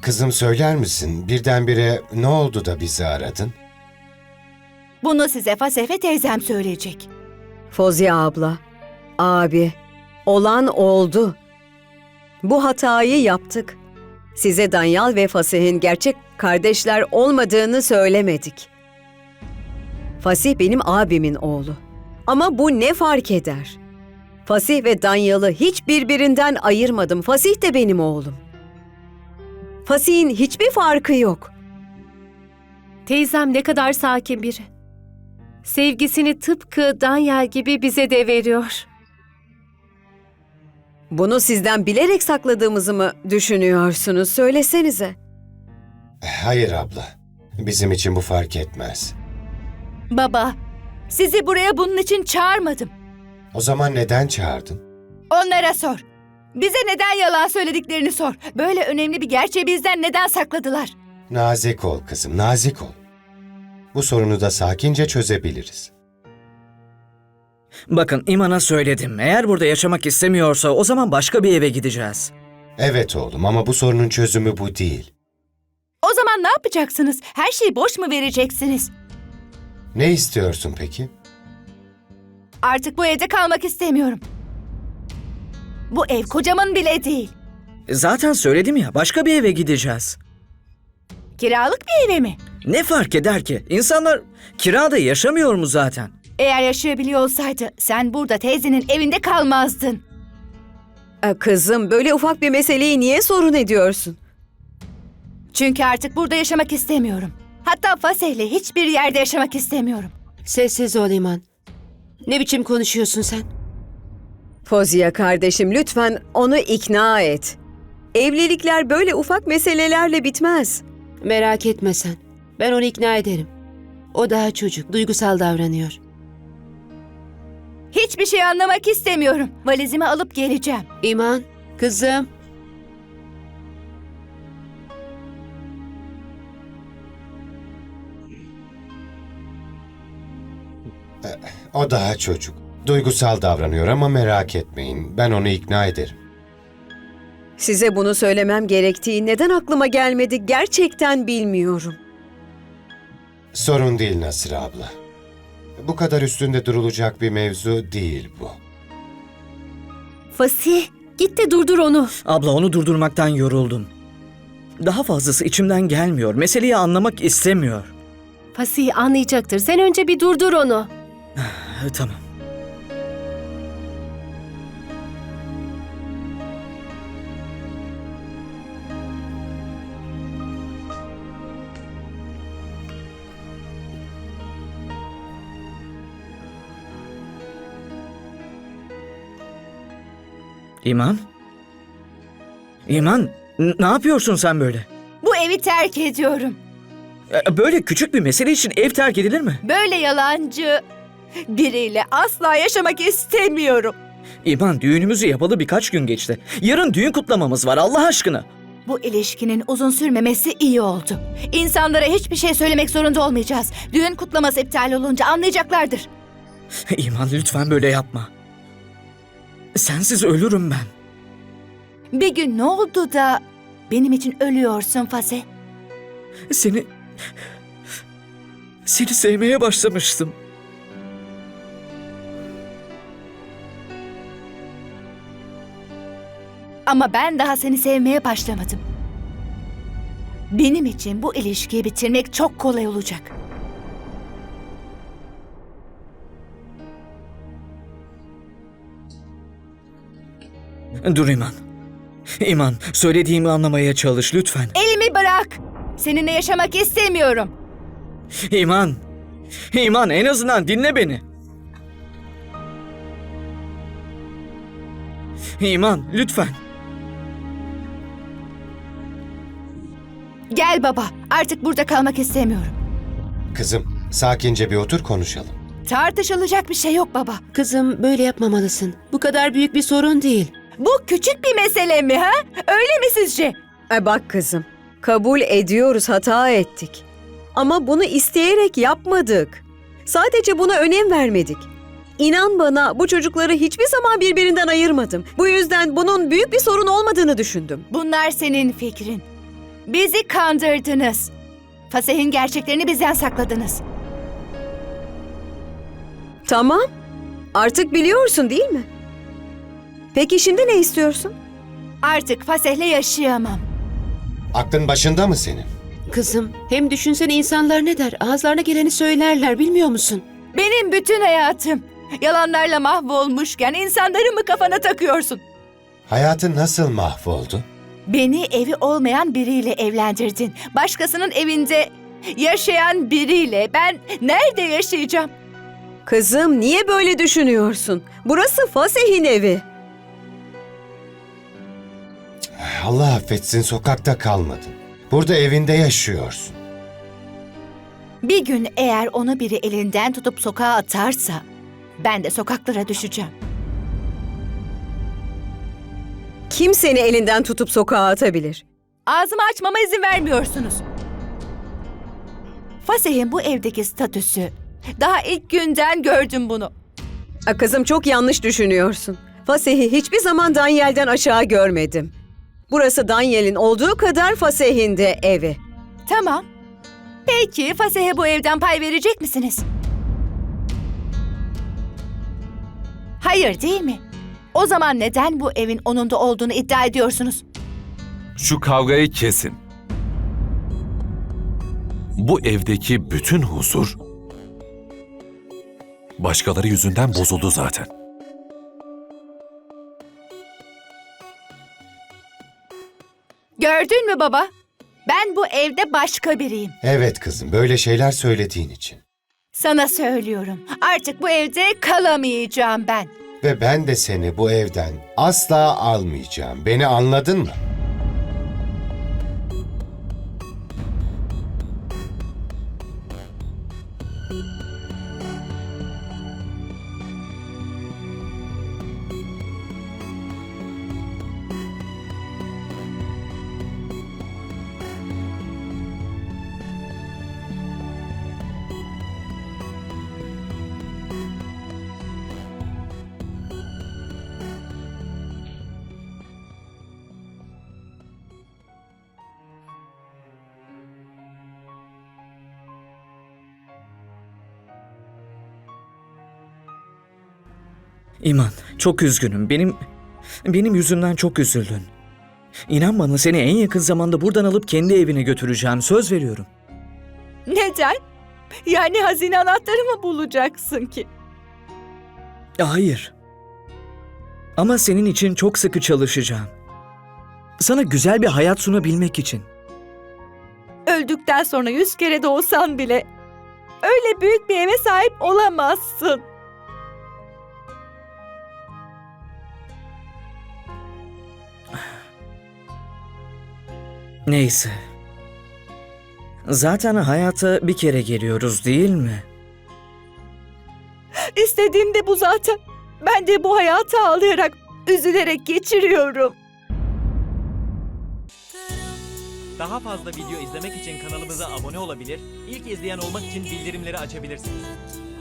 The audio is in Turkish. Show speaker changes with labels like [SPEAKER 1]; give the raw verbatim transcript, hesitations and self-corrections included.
[SPEAKER 1] Kızım söyler misin? Birdenbire ne oldu da bizi aradın?
[SPEAKER 2] Bunu size Fasefe teyzem söyleyecek.
[SPEAKER 3] Fozia abla, abi, olan oldu. Bu hatayı yaptık. Size Danyal ve Fasih'in gerçek kardeşler olmadığını söylemedik. Fasih benim abimin oğlu. Ama bu ne fark eder? Fasih ve Danyal'ı hiç birbirinden ayırmadım. Fasih de benim oğlum. Fasih'in hiçbir farkı yok.
[SPEAKER 4] Teyzem ne kadar sakin biri. Sevgisini tıpkı Danyal gibi bize de veriyor.
[SPEAKER 3] Bunu sizden bilerek sakladığımızı mı düşünüyorsunuz? Söylesenize.
[SPEAKER 1] Hayır abla. Bizim için bu fark etmez.
[SPEAKER 2] Baba, sizi buraya bunun için çağırmadım.
[SPEAKER 1] O zaman neden çağırdın?
[SPEAKER 2] Onlara sor. Bize neden yalan söylediklerini sor. Böyle önemli bir gerçeği bizden neden sakladılar?
[SPEAKER 1] Nazik ol kızım, nazik ol. Bu sorunu da sakince çözebiliriz.
[SPEAKER 5] Bakın İman'a söyledim. Eğer burada yaşamak istemiyorsa o zaman başka bir eve gideceğiz.
[SPEAKER 1] Evet oğlum ama bu sorunun çözümü bu değil.
[SPEAKER 2] O zaman ne yapacaksınız? Her şeyi boş mu vereceksiniz?
[SPEAKER 1] Ne istiyorsun peki?
[SPEAKER 2] Artık bu evde kalmak istemiyorum. Bu ev kocamın bile değil.
[SPEAKER 5] Zaten söyledim ya, başka bir eve gideceğiz.
[SPEAKER 2] Kiralık bir eve mi?
[SPEAKER 5] Ne fark eder ki? İnsanlar kirada yaşamıyor mu zaten?
[SPEAKER 2] Eğer yaşayabiliyor olsaydı sen burada teyzenin evinde kalmazdın.
[SPEAKER 3] Ee, Kızım, böyle ufak bir meseleyi niye sorun ediyorsun?
[SPEAKER 2] Çünkü artık burada yaşamak istemiyorum. Hatta Fasih'le hiçbir yerde yaşamak istemiyorum.
[SPEAKER 6] Sessiz ol İman. Ne biçim konuşuyorsun sen?
[SPEAKER 3] Fozia kardeşim, lütfen onu ikna et. Evlilikler böyle ufak meselelerle bitmez.
[SPEAKER 6] Merak etme sen. Ben onu ikna ederim. O daha çocuk, duygusal davranıyor.
[SPEAKER 2] Hiçbir şey anlamak istemiyorum. Valizimi alıp geleceğim.
[SPEAKER 6] İman, kızım.
[SPEAKER 1] O daha çocuk. Duygusal davranıyor ama merak etmeyin. Ben onu ikna ederim.
[SPEAKER 3] Size bunu söylemem gerektiği neden aklıma gelmedi gerçekten bilmiyorum.
[SPEAKER 1] Sorun değil Nasır abla. Bu kadar üstünde durulacak bir mevzu değil bu.
[SPEAKER 4] Fasih, git de durdur onu.
[SPEAKER 5] Abla, onu durdurmaktan yoruldum. Daha fazlası içimden gelmiyor. Meseleyi anlamak istemiyor.
[SPEAKER 4] Fasih anlayacaktır. Sen önce bir durdur onu.
[SPEAKER 5] Ha, tamam. İman? İman, n- ne yapıyorsun sen böyle?
[SPEAKER 2] Bu evi terk ediyorum.
[SPEAKER 5] E, Böyle küçük bir mesele için ev terk edilir mi?
[SPEAKER 2] Böyle yalancı biriyle asla yaşamak istemiyorum.
[SPEAKER 5] İman, düğünümüzü yapalı birkaç gün geçti. Yarın düğün kutlamamız var, Allah aşkına.
[SPEAKER 2] Bu ilişkinin uzun sürmemesi iyi oldu. İnsanlara hiçbir şey söylemek zorunda olmayacağız. Düğün kutlaması iptal olunca anlayacaklardır.
[SPEAKER 5] İman, lütfen böyle yapma. Sensiz ölürüm ben.
[SPEAKER 2] Bir gün ne oldu da benim için ölüyorsun Fasih?
[SPEAKER 5] Seni... Seni sevmeye başlamıştım.
[SPEAKER 2] Ama ben daha seni sevmeye başlamadım. Benim için bu ilişkiyi bitirmek çok kolay olacak.
[SPEAKER 5] Dur İman. İman, söylediğimi anlamaya çalış lütfen.
[SPEAKER 2] Elimi bırak. Seninle yaşamak istemiyorum.
[SPEAKER 5] İman. İman, en azından dinle beni. İman, lütfen.
[SPEAKER 2] Gel baba. Artık burada kalmak istemiyorum.
[SPEAKER 1] Kızım, sakince bir otur konuşalım.
[SPEAKER 2] Tartışılacak bir şey yok baba.
[SPEAKER 6] Kızım, böyle yapmamalısın. Bu kadar büyük bir sorun değil.
[SPEAKER 2] Bu küçük bir mesele mi ha? Öyle mi sizce?
[SPEAKER 3] E bak kızım, kabul ediyoruz, hata ettik. Ama bunu isteyerek yapmadık. Sadece buna önem vermedik. İnan bana, bu çocukları hiçbir zaman birbirinden ayırmadım. Bu yüzden bunun büyük bir sorun olmadığını düşündüm.
[SPEAKER 2] Bunlar senin fikrin. Bizi kandırdınız. Fasih'in gerçeklerini bizden sakladınız.
[SPEAKER 3] Tamam. Artık biliyorsun değil mi? Peki şimdi ne istiyorsun?
[SPEAKER 2] Artık Fasih'le yaşayamam.
[SPEAKER 1] Aklın başında mı senin?
[SPEAKER 6] Kızım, hem düşünsene insanlar ne der? Ağızlarına geleni söylerler, bilmiyor musun?
[SPEAKER 2] Benim bütün hayatım yalanlarla mahvolmuşken insanları mı kafana takıyorsun?
[SPEAKER 1] Hayatın nasıl mahvoldu?
[SPEAKER 2] Beni evi olmayan biriyle evlendirdin. Başkasının evinde yaşayan biriyle ben nerede yaşayacağım?
[SPEAKER 3] Kızım niye böyle düşünüyorsun? Burası Fasih'in evi.
[SPEAKER 1] Allah affetsin, sokakta kalmadın. Burada evinde yaşıyorsun.
[SPEAKER 2] Bir gün eğer onu biri elinden tutup sokağa atarsa ben de sokaklara düşeceğim.
[SPEAKER 3] Kim seni elinden tutup sokağa atabilir?
[SPEAKER 2] Ağzımı açmama izin vermiyorsunuz. Fasih'in bu evdeki statüsü. Daha ilk günden gördüm bunu.
[SPEAKER 3] A, kızım çok yanlış düşünüyorsun. Fasih'i hiçbir zaman Danyel'den aşağı görmedim. Burası Danyel'in olduğu kadar Fasih'in de evi.
[SPEAKER 2] Tamam. Peki Fasih'e bu evden pay verecek misiniz? Hayır değil mi? O zaman neden bu evin onun da olduğunu iddia ediyorsunuz?
[SPEAKER 7] Şu kavgayı kesin. Bu evdeki bütün huzur başkaları yüzünden bozuldu zaten.
[SPEAKER 2] Gördün mü baba? Ben bu evde başka biriyim.
[SPEAKER 1] Evet kızım, böyle şeyler söylediğin için.
[SPEAKER 2] Sana söylüyorum. Artık bu evde kalamayacağım ben.
[SPEAKER 1] Ve ben de seni bu evden asla almayacağım. Beni anladın mı?
[SPEAKER 5] İman, çok üzgünüm. Benim benim yüzümden çok üzüldün. İnan bana, seni en yakın zamanda buradan alıp kendi evine götüreceğim. Söz veriyorum.
[SPEAKER 2] Neden? Yani hazine anahtarı mı bulacaksın ki?
[SPEAKER 5] Hayır. Ama senin için çok sıkı çalışacağım. Sana güzel bir hayat sunabilmek için.
[SPEAKER 2] Öldükten sonra yüz kere doğsan bile öyle büyük bir eve sahip olamazsın.
[SPEAKER 5] Neyse. Zaten hayata bir kere geliyoruz değil mi?
[SPEAKER 2] İstediğim de bu zaten. Ben de bu hayatı ağlayarak, üzülerek geçiriyorum.
[SPEAKER 8] Daha fazla video izlemek için kanalımıza abone olabilir, ilk izleyen olmak için bildirimleri açabilirsiniz.